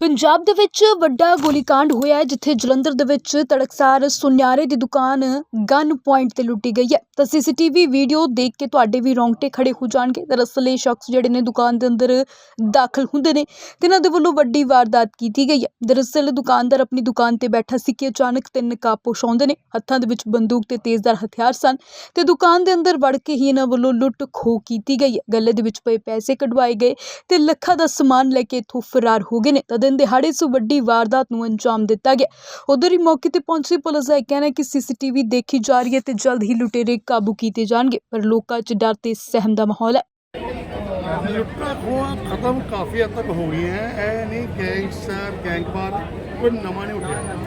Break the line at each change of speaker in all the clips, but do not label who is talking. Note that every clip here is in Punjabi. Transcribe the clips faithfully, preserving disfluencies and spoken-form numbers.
ਪੰਜਾਬ ਦੇ ਵਿੱਚ ਵੱਡਾ ਗੋਲੀकांड ਹੋਇਆ ਹੈ ਜਿੱਥੇ ਜਲੰਧਰ ਦੇ ਵਿੱਚ ਤੜਕਸਾਰ ਸੁਨਿਆਰੇ ਦੀ ਦੁਕਾਨ ਗਨ ਪੁਆਇੰਟ ਤੇ ਲੁੱਟੀ ਗਈ ਹੈ। ਤਾਂ ਸੀਸੀਟੀਵੀ ਵੀਡੀਓ ਦੇਖ ਕੇ ਤੁਹਾਡੇ ਵੀ ਰੌਂਗਟੇ ਖੜੇ ਹੋ ਜਾਣਗੇ। ਦਰਅਸਲ ਇਹ ਸ਼ਖਸ ਜਿਹੜੇ ਨੇ ਦੁਕਾਨ ਦੇ ਅੰਦਰ ਦਾਖਲ ਹੁੰਦੇ ਨੇ ਤੇ ਇਹਨਾਂ ਦੇ ਵੱਲੋਂ ਵੱਡੀ ਵਾਰਦਾਤ ਕੀਤੀ ਗਈ ਹੈ। ਦਰਅਸਲ ਦੁਕਾਨਦਾਰ ਆਪਣੀ ਦੁਕਾਨ ਤੇ ਬੈਠਾ ਸੀ ਕਿ ਅਚਾਨਕ ਤਿੰਨ ਨਕਾਬਪੋਸ਼ ਆਉਂਦੇ ਨੇ, ਹੱਥਾਂ ਦੇ ਵਿੱਚ ਬੰਦੂਕ ਤੇ ਤੇਜ਼ਧਾਰ ਹਥਿਆਰ ਸਨ ਤੇ ਦੁਕਾਨ ਦੇ ਅੰਦਰ ਵੜ ਕੇ ਹੀ ਇਹਨਾਂ ਵੱਲੋਂ ਲੁੱਟ ਖੋਹ ਕੀਤੀ ਗਈ ਹੈ। ਗੱਲੇ ਦੇ ਵਿੱਚ ਪਏ ਪੈਸੇ ਕਢਵਾਏ ਗਏ ਤੇ ਲੱਖਾਂ ਦਾ ਸਮਾਨ ਲੈ ਕੇ ਇੱਥੋਂ ਫਰਾਰ ਹੋ ਗਏ ਨੇ। ਤਾਂ ਦਿਨ ਦਿਹਾੜੇ ਇਸ ਵੱਡੀ ਵਾਰਦਾਤ ਨੂੰ ਅੰਜਾਮ ਦਿੱਤਾ ਗਿਆ। ਉਧਰ ਹੀ ਮੌਕੇ ਤੇ ਪਹੁੰਚੀ ਪੁਲਿਸ ਦਾ ਕਹਿਣਾ ਹੈ ਕਿ ਸੀਸੀਟੀਵੀ ਦੇਖੀ ਜਾ ਰਹੀ ਹੈ ਤੇ ਜਲਦ ਹੀ ਲੁਟੇਰੇ ਕਾਬੂ ਕੀਤੇ ਜਾਣਗੇ, ਪਰ ਲੋਕਾਂ 'ਚ ਡਰ ਤੇ ਸਹਿਮ ਦਾ ਮਾਹੌਲ ਹੈ।
लुट्टा खोआ खत्म काफ़ी हद तक हो गई है। ए नहीं गैंगस्टर गैंगवार कोई नवा नहीं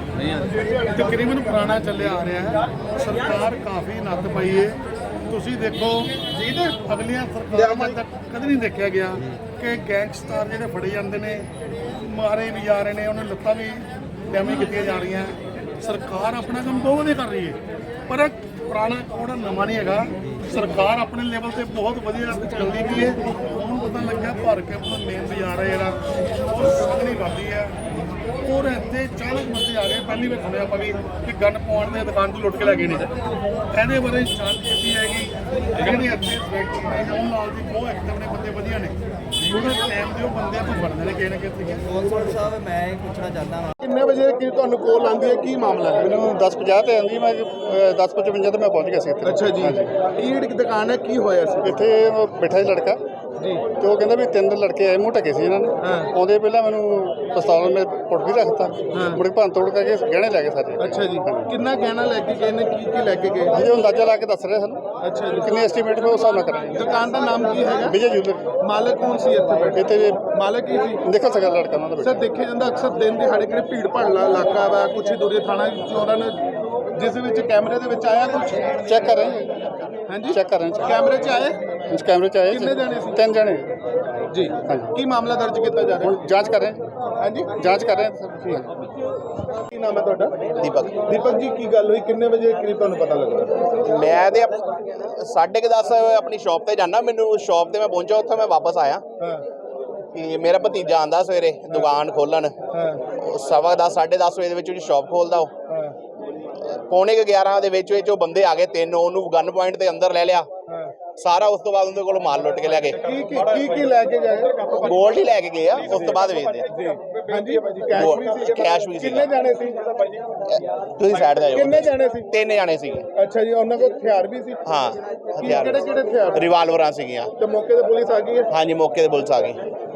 उठा, तकरीबन पुराना चले आ रहा है। सरकार काफ़ी नत्त पई है। तुसी देखो अगलियां सरकारां तक कद नहीं देखा गया कि गैंगस्टर जिहड़े फड़े जाते हैं मारे भी जा रहे हैं, उन्हें लत्तां भी डैमेज की जा रही हैं। सरकार अपना काम बहुत नहीं कर रही है, पर पुराना कोड नवा नहीं है। सरकार अपने लेवल से बहुत वधिया चलती भी है। उन्होंने पता लग्या भर के अपना मेन बाजार है जो संगनी करती है और इतने चालीस बंदे आ गए। पहली बार सुनिया भी कि गन पॉइंट ने दुकान को लुट के लगे ने। ये बारे जांच की जाएगी। जी इतने नाल की बहुत एक्टिव ने बंदे वधिया ने थोड़ा टाइम दो बंदे तो फड़ने ने किसी ना किसी
साहब मैं पूछना चाहता हाँ
किन्ने बजे की तुहानू कॉल आंदी है की मामला है?
ਮੈਨੂੰ दस पचास ਤੇ ਆਂਦੀ, ਮੈਂ दस पचवंजा ਤੇ ਮੈਂ ਪਹੁੰਚ ਗਿਆ ਸੀ ਇੱਥੇ।
अच्छा जी की दुकान है की होया सी?
ਇੱਥੇ ਬੈਠਾ ਸੀ ਲੜਕਾ
जी
ਤੇ ਉਹ ਕਹਿੰਦਾ ਵੀ ਤਿੰਨ ਲੜਕੇ ਆਏ, ਮੂੰਹ ਢਕੇ ਸੀ ਇਹਨਾਂ ਨੇ।
हाँ
ਆਉਂਦੇ ਪਹਿਲਾਂ ਮੈਨੂੰ ਪਿਸਤੌਲ ਮੇ ਪੁੱਟ ਵੀ ਰੱਖਤਾ,
ਹਾਂ।
ਮੁੜ ਕੇ ਭੰਨ ਤੋੜ ਕਰਕੇ ਗਹਿਣੇ ਲੈ ਗਏ ਸਾਰੇ।
अच्छा जी किन्ना गहना लेके गए ने की की लेके गए?
ਹਜੇ ਅੰਦਾਜ਼ਾ ਲਾ ਕੇ ਦੱਸ ਰਹੇ ਸਾਨੂੰ
अच्छा जी
ਕਿੰਨੇ ਐਸਟੀਮੇਟ ਮੈਂ ਉਸ ਹਿਸਾਬ ਨਾਲ ਕਰਾਂਗੇ।
दुकान का नाम की है?
ਵਿਜੇ ਜੂਲਰ
मालिक कौन सी इत्थे बैठे?
ਇੱਥੇ
मालिक ही सी?
ਦੇਖੋ ਸਕਦਾ ਲੜਕਾ ਉਹਨਾਂ ਦਾ
सर
ਬੇਟਾ।
देखे जाता अक्सर दिन दिहाड़े कि भीड़ भाड़ला इलाका वा कुछ ही दूरी थाना चोਰਾਂ ने जिस विच कैमरे दे विच आया कुछ
ਚੈੱਕ ਕਰ ਰਹੇ ਹਾਂ,
हाँ जी
ਚੈੱਕ ਕਰ ਰਹੇ ਹਾਂ।
कैमरे च आए
ਇਸ ਕੈਮਰੇ ਚ ਆਏ
ਕਿੰਨੇ ਜਾਣੇ ਸੀ?
ਤਿੰਨ ਜਣੇ।
जी
ਹਾਂਜੀ
की मामला दर्ज किया जा रहा
ਹੁਣ ਜਾਂਚ ਕਰ ਰਹੇ ਹਾਂ,
है? हाँ जी
ਜਾਂਚ ਕਰ ਰਹੇ ਹਾਂ ਸਰ।
की नाम है ਤੁਹਾਡਾ?
दीपक
दीपक जी की गल हुई किन्ने बजे करीब ਤੁਹਾਨੂੰ ਪਤਾ ਲੱਗਾ?
मैं ਤੇ साढ़े के दस अपनी शॉप ਤੇ ਜਾਣਾ। ਮੈਨੂੰ ਸ਼ਾਪ ਤੇ ਮੈਂ ਪਹੁੰਚਾ, ਉੱਥੇ ਮੈਂ ਵਾਪਸ ਆਇਆ
ਹਾਂ
ਕਿ ਮੇਰਾ ਭਤੀਜਾ ਆਂਦਾ ਸਵੇਰੇ ਦੁਕਾਨ ਖੋਲਣ।
ਹਾਂ
ਸਵਾ ਦਸ ਸਾਢੇ ਦਸ ਵਜੇ ਦੇ ਵਿੱਚ ਉਹਦੀ ਸ਼ਾਪ ਖੋਲਦਾ। ਉਹ
ਹਾਂ
ਪੌਣੇ ਕੁ ਗਿਆਰਾਂ ਦੇ ਵਿੱਚ ਵਿੱਚ ਉਹ ਬੰਦੇ ਆ ਗਏ ਤਿੰਨ, ਉਹਨੂੰ ਗਨ ਪੁਆਇੰਟ ਦੇ ਅੰਦਰ ਲੈ ਲਿਆ
ਹਾਂ
ਸਾਰਾ। ਉਸ ਤੋਂ ਬਾਅਦ ਉਹਦੇ ਕੋਲ ਮਾਲ ਲੁੱਟ ਕੇ ਲੈ ਗਏ।
ਕੀ ਕੀ ਕੀ ਕੀ ਲੈ ਕੇ ਗਏ?
ਗੋਲਡ ਹੀ ਲੈ ਕੇ ਗਏ ਆ, ਉਸ ਤੋਂ ਬਾਅਦ ਵੇਚਦੇ ਆ।
ਜੀ ਹਾਂਜੀ ਕੈਸ਼ ਵੀ ਸੀ?
ਕੈਸ਼ ਵੀ ਸੀ।
ਕਿੰਨੇ ਜਾਣੇ ਸੀ?
ਤੁਸੀਂ ਸਾਈਡ ਤੇ
ਕਿੰਨੇ
ਜਾਓ।
ਜਾਣੇ ਸੀ?
ਤਿੰਨ ਜਾਣੇ ਸੀਗੇ।
ਅੱਛਾ ਜੀ ਉਹਨਾਂ ਕੋਲ ਹਥਿਆਰ ਵੀ ਸੀ?
ਹਾਂ
ਕਿਹੜੇ
ਹਥਿਆਰ
ਕਿਹੜੇ ਹਥਿਆਰ?
ਰਿਵਾਲਵਰਾਂ ਸੀਗੀਆਂ।
ਤੇ ਮੌਕੇ ਤੇ ਪੁਲਿਸ ਆ ਗਈ ਹੈ?
ਹਾਂਜੀ ਮੌਕੇ ਤੇ ਪੁਲਿਸ ਆ ਗਈ।